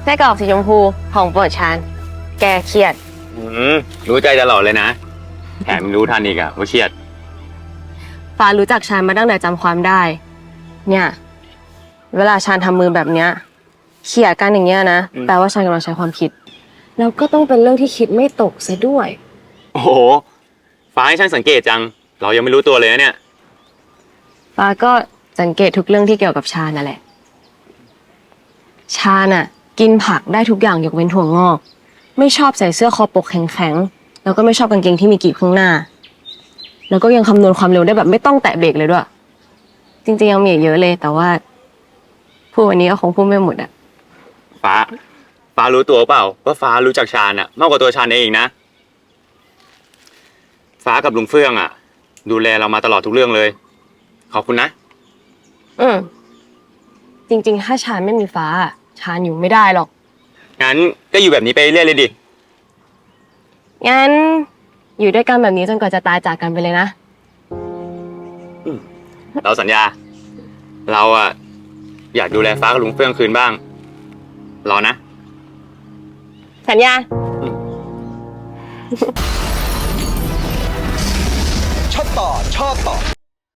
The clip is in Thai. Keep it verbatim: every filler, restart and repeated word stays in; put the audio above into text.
ไส้กรอกสีชมพูของโปรดชานแกเครียดอืมรู้ใจตลอดเลยนะแถมรู้ทันอีกอะว่าเครียดฟ้ารู้จักชานมาตั้งแต่จำความได้ เนี่ยเวลาชานทำมือแบบเนี้ยเขี่ยกันอย่างเงี้ยนะแปลว่าชานกำลังใช้ความคิดแล้วก็ต้องเป็นเรื่องที่คิดไม่ตกซะด้วยโอ้โหฟ้าให้ช่างสังเกตจังเรายังไม่รู้ตัวเลยนะเนี่ยฟ้าก็สังเกตทุกเรื่องที่เกี่ยวกับชานั่นแหละชาน่ะกินผักได้ทุกอย่างยกเว้นถั่วงอกไม่ชอบใส่เสื้อคอปกแข็งๆแล้วก็ไม่ชอบกางเกงที่มีกีบข้างหน้าแล้วก็ยังคำนวณความเร็วได้แบบไม่ต้องแตะเบรกเลยด้วยจริงๆยังมีอีกเยอะเลยแต่ว่าพูดวันนี้ก็คงพูดไม่หมดอะฟ้าฟ้ารู้ตัวเปล่าว่าฟ้ารู้จักชาญอะมากกว่าตัวชาญเองนะฟ้ากับลุงเฟื่องอะดูแลเรามาตลอดทุกเรื่องเลยขอบคุณนะอืมจริงๆถ้าชาญไม่มีฟ้าชาญอยู่ไม่ได้หรอกงั้นก็อยู่แบบนี้ไปเรื่อยเลยดิงั้นอยู่ด้วยกันแบบนี้จนกว่าจะตายจากกันไปเลยนะเราสัญญาเราอะอยากดูแลฟ้ากับลุงเฟื่องคืนบ้างรอนะสัญญาชอบต่อชอบต่อ